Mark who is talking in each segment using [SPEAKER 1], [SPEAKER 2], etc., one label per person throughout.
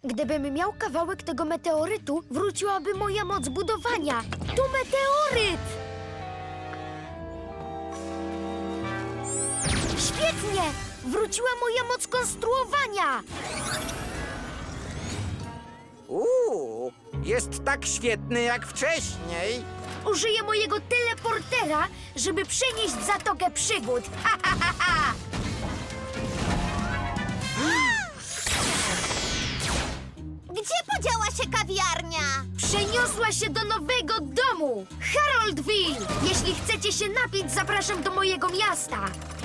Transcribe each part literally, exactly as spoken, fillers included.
[SPEAKER 1] Gdybym miał kawałek tego meteorytu, wróciłaby moja moc budowania. To meteoryt! Świetnie! Wróciła moja moc konstruowania!
[SPEAKER 2] Uuu, jest tak świetny jak wcześniej.
[SPEAKER 1] Użyję mojego teleportera, żeby przenieść Zatokę Przygód. Ha, ha, ha, ha.
[SPEAKER 3] Gdzie podziała się kawiarnia?
[SPEAKER 1] Przeniosła się do nowego domu! Haroldville! Jeśli chcecie się napić, zapraszam do mojego miasta.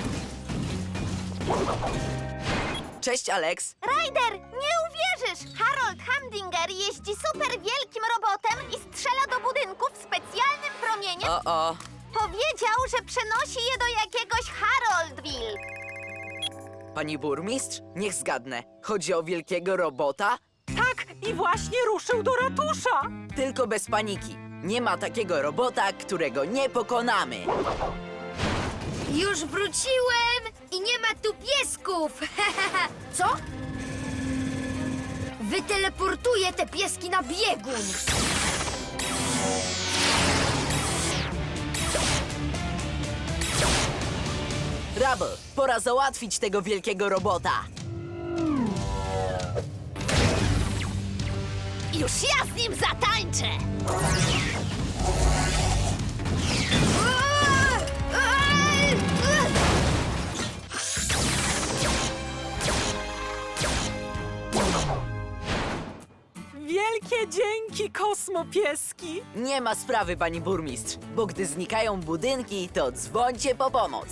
[SPEAKER 4] Cześć, Alex.
[SPEAKER 3] Ryder, nie uwierzysz! Harold Hamdinger jeździ super wielkim robotem i strzela do budynków specjalnym promieniem.
[SPEAKER 4] O, o.
[SPEAKER 3] Powiedział, że przenosi je do jakiegoś Haroldville.
[SPEAKER 4] Pani burmistrz? Niech zgadnę. Chodzi o wielkiego robota?
[SPEAKER 5] Tak, i właśnie ruszył do ratusza.
[SPEAKER 4] Tylko bez paniki. Nie ma takiego robota, którego nie pokonamy.
[SPEAKER 1] Już wróciłem i nie ma tu piesków! Co? Wyteleportuję te pieski na biegun!
[SPEAKER 4] Rubble, pora załatwić tego wielkiego robota.
[SPEAKER 3] Już ja z nim zatańczę!
[SPEAKER 5] Wielkie dzięki, kosmopieski.
[SPEAKER 4] Nie ma sprawy, pani burmistrz, bo gdy znikają budynki, to dzwońcie po pomoc.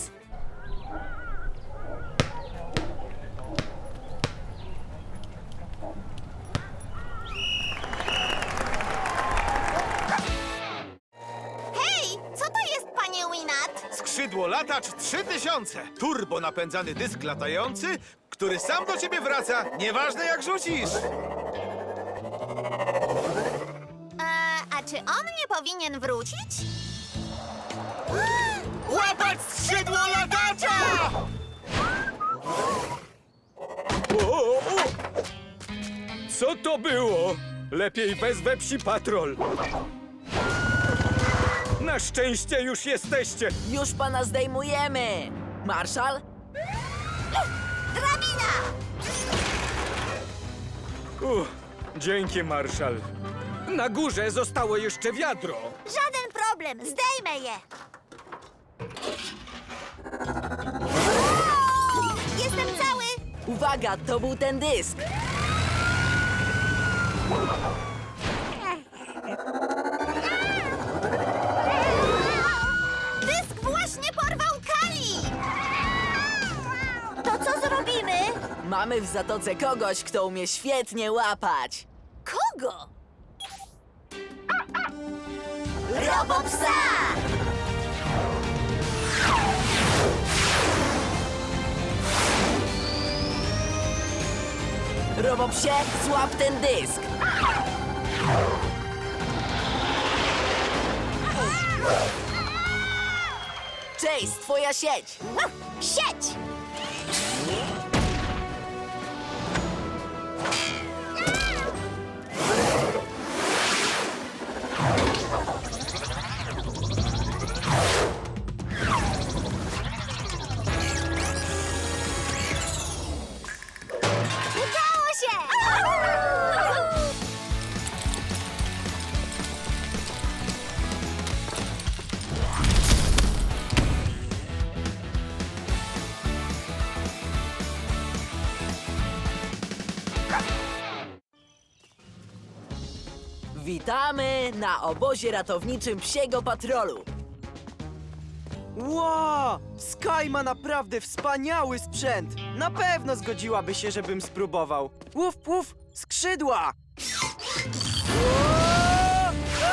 [SPEAKER 3] Hej, co to jest, panie Winat?
[SPEAKER 6] Skrzydło latacz trzy tysiące. Turbo napędzany dysk latający, który sam do ciebie wraca, nieważne jak rzucisz.
[SPEAKER 3] E, a czy on nie powinien wrócić?
[SPEAKER 6] Łapać skrzydło latacza! O, o, o. Co to było? Lepiej wezwę psi patrol. Na szczęście już jesteście.
[SPEAKER 4] Już pana zdejmujemy. Marszal?
[SPEAKER 3] Drabina!
[SPEAKER 6] Uff, dzięki, Marszal. Na górze zostało jeszcze wiadro.
[SPEAKER 3] Żaden problem, zdejmę je! Jestem cały!
[SPEAKER 4] Uwaga, to był ten dysk.
[SPEAKER 3] Dysk właśnie porwał Kali! To co zrobimy?
[SPEAKER 4] Mamy w Zatoce kogoś, kto umie świetnie łapać.
[SPEAKER 3] Kogo? Robopsa!
[SPEAKER 4] Robopsie, złap ten dysk. Chase, twoja sieć.
[SPEAKER 3] Sieć! Udało się!
[SPEAKER 4] Witamy na obozie ratowniczym Psiego Patrolu.
[SPEAKER 7] Wow! Sky ma naprawdę wspaniały sprzęt! Na pewno zgodziłaby się, żebym spróbował. Łuf, łuf! Skrzydła! Ło!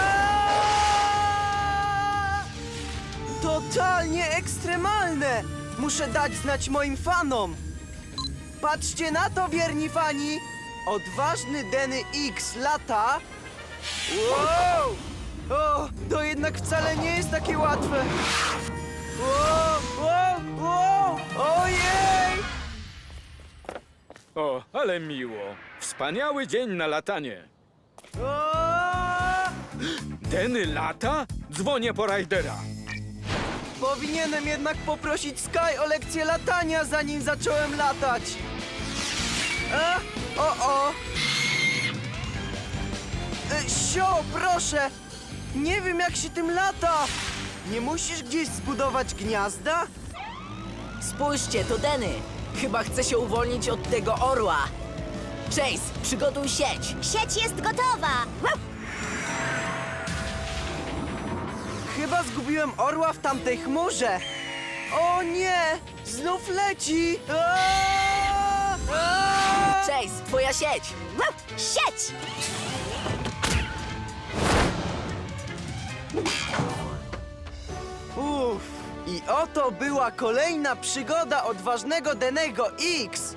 [SPEAKER 7] Aaa! Totalnie ekstremalne! Muszę dać znać moim fanom! Patrzcie na to, wierni fani! Odważny Denny X lata... Wow! O, to jednak wcale nie jest takie łatwe! Wow, wow, wow! Ojej!
[SPEAKER 8] O, ale miło. Wspaniały dzień na latanie.
[SPEAKER 7] O!
[SPEAKER 8] Denny lata? Dzwonię po Rajdera.
[SPEAKER 7] Powinienem jednak poprosić Sky o lekcję latania, zanim zacząłem latać. A? O, o! E, Sio, proszę! Nie wiem, jak się tym lata! Nie musisz gdzieś zbudować gniazda?
[SPEAKER 4] Spójrzcie, to Denny. Chyba chce się uwolnić od tego orła. Chase, przygotuj sieć.
[SPEAKER 3] Sieć jest gotowa!
[SPEAKER 7] Chyba zgubiłem orła w tamtej chmurze. O nie! Znów leci! Aaaa! Aaaa!
[SPEAKER 4] Chase, twoja sieć.
[SPEAKER 3] Sieć!
[SPEAKER 7] Uff, i oto była kolejna przygoda odważnego Dennego X.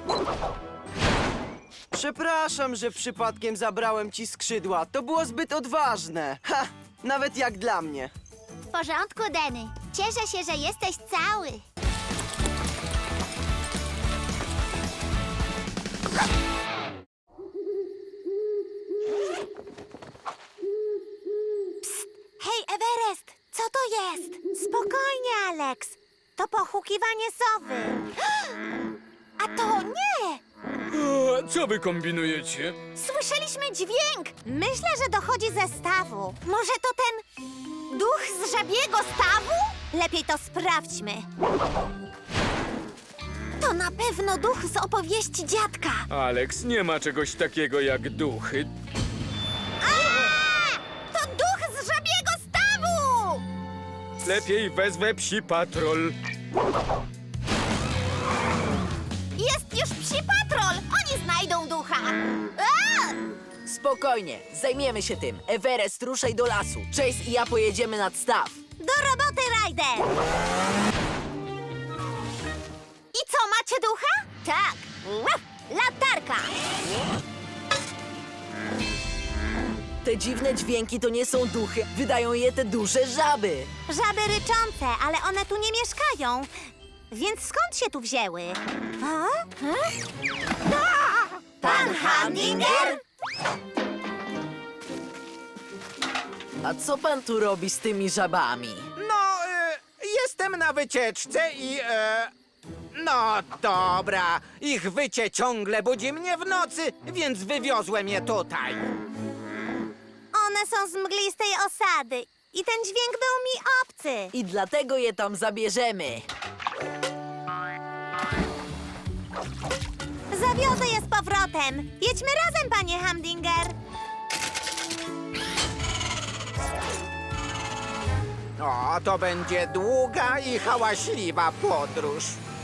[SPEAKER 7] Przepraszam, że przypadkiem zabrałem ci skrzydła. To było zbyt odważne. Ha, nawet jak dla mnie.
[SPEAKER 3] W porządku, Denny. Cieszę się, że jesteś cały. Psst! Hej, Everest! Co to jest? Spokojnie, Alex. To pochukiwanie sowy. A to nie!
[SPEAKER 8] O, co wy kombinujecie?
[SPEAKER 3] Słyszeliśmy dźwięk! Myślę, że dochodzi ze stawu. Może to ten duch z żabiego stawu? Lepiej to sprawdźmy. To na pewno duch z opowieści dziadka.
[SPEAKER 8] Alex, nie ma czegoś takiego jak duchy.
[SPEAKER 3] A! To duch z żabiego stawu!
[SPEAKER 8] Lepiej wezwę psi patrol.
[SPEAKER 3] Jest już psi patrol! Oni znajdą ducha! A!
[SPEAKER 4] Spokojnie, zajmiemy się tym. Everest, ruszaj do lasu. Chase i ja pojedziemy nad staw.
[SPEAKER 3] Do roboty, Ryder! I co, macie ducha? Tak! Łap! Latarka!
[SPEAKER 4] Te dziwne dźwięki to nie są duchy. Wydają je te duże żaby.
[SPEAKER 3] Żaby ryczące, ale one tu nie mieszkają. Więc skąd się tu wzięły? A? A? Pan Hamdinger?
[SPEAKER 4] A co pan tu robi z tymi żabami?
[SPEAKER 2] No, e, jestem na wycieczce i... E, no dobra, ich wycie ciągle budzi mnie w nocy, więc wywiozłem je tutaj.
[SPEAKER 3] One są z mglistej osady i ten dźwięk był mi obcy.
[SPEAKER 4] I dlatego je tam zabierzemy.
[SPEAKER 3] Zawiozę je z powrotem. Jedźmy razem, panie Hamdinger.
[SPEAKER 2] O, to będzie długa i hałaśliwa podróż.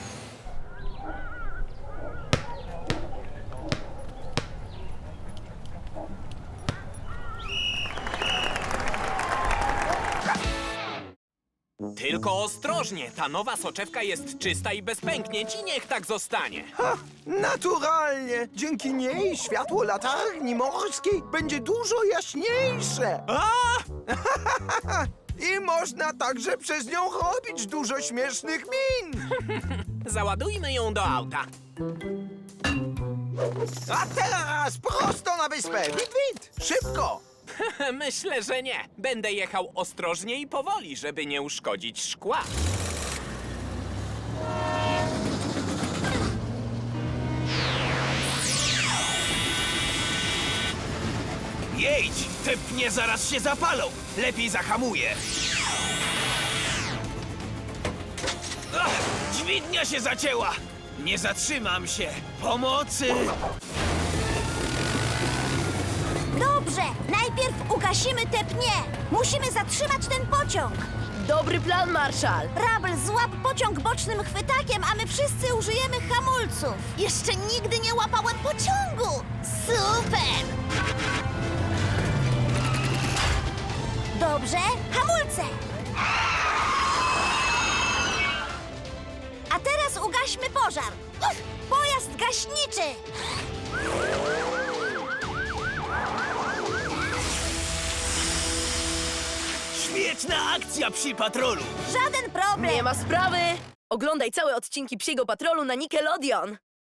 [SPEAKER 9] Tylko ostrożnie, ta nowa soczewka jest czysta i bez pęknięć i niech tak zostanie.
[SPEAKER 10] Naturalnie! Dzięki niej światło latarni morskiej będzie dużo jaśniejsze.
[SPEAKER 9] A!
[SPEAKER 10] I można także przez nią robić dużo śmiesznych min.
[SPEAKER 9] Załadujmy ją do auta.
[SPEAKER 10] A teraz prosto na wyspę. Wit, wit! Szybko!
[SPEAKER 9] Myślę, że nie. Będę jechał ostrożnie i powoli, żeby nie uszkodzić szkła.
[SPEAKER 6] Jedź! Te pnie zaraz się zapalą! Lepiej zahamuję! Ach, dźwignia się zacięła! Nie zatrzymam się! Pomocy!
[SPEAKER 3] Dobrze, najpierw ugasimy te pnie. Musimy zatrzymać ten pociąg.
[SPEAKER 4] Dobry plan, Marszal.
[SPEAKER 3] Rabel, złap pociąg bocznym chwytakiem, a my wszyscy użyjemy hamulców. Jeszcze nigdy nie łapałem pociągu. Super! Dobrze, hamulce. A teraz ugaśmy pożar. Uf, pojazd gaśniczy.
[SPEAKER 6] Świetna akcja psi patrolu!
[SPEAKER 3] Żaden problem.
[SPEAKER 4] Nie ma sprawy. Oglądaj całe odcinki Psiego Patrolu na Nickelodeon.